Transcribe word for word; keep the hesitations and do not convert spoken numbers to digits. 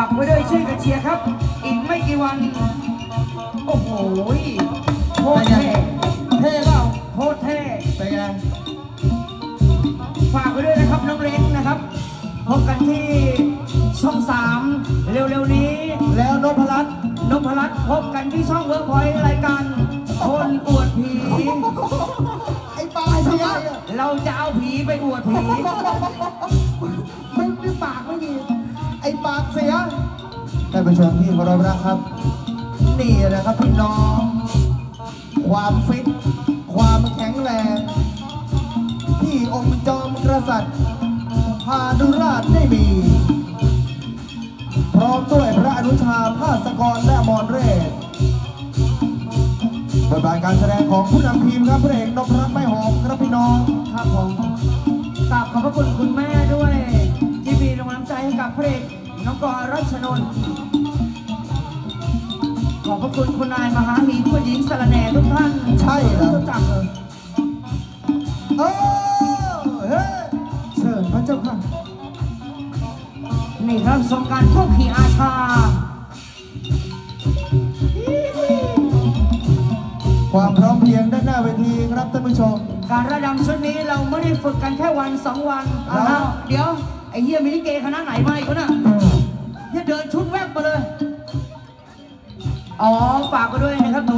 ากไว้ด้วยช่วยกันเชียร์ครับอีกไม่กี่วันโอ้โหโคตรเท่เท่เปล่าโคตรเท่เป็นไงฝากไว้ด้วยนะครับน้องเล้งนะครับพบกันที่ช่องสามเร็วๆนี้แล้วนพรัตน์นพรัตน์พบกันที่ช่องเวิร์กพอยต์รายการคนอวดผีไอ้ปากเสียเราจะเอาผีไปอวดผีไม่ไม่ปากไม่มีไอ้ปากเสียท่านผู้ชมที่เคารพนะครับนี่นะครับพี่น้องความฟิตความแข็งแรงที่องค์จอมกษัตริย์พาดุราชได้มีพร้อมด้วยพระอนุชาภาสกรและอมรเรศบทบาทการแสดงของผู้นำทีมครับพระเอกนพรัตน์ไม้หอมครับพี่น้องครับผมกราบขอบพระคุณคุณแม่ด้วยที่มีกำลังใจให้กับพระเอกน้องกรรัชนนท์ขอบพระคุณคุณนายมหาหีผู้หญิงสารแหน่ทุกท่านใช่แล้วรู้จักเลยเออเฮ้เชิญพระเจ้าค่ะนี่ครับสงการพวกขี่อาชาความพร้อมเพรียงด้านหน้าเวทีครับท่านผู้ชมการระดำชุดนี้เราไม่ได้ฝึกกันแค่วันสองวันแล้วเดี๋ยวไอ้เฮียมิลิเกคณะไหนมาอีกวะน่ะเฮียเดินชุดแวบมาเลยอ๋อฝากไปด้วยนะครับ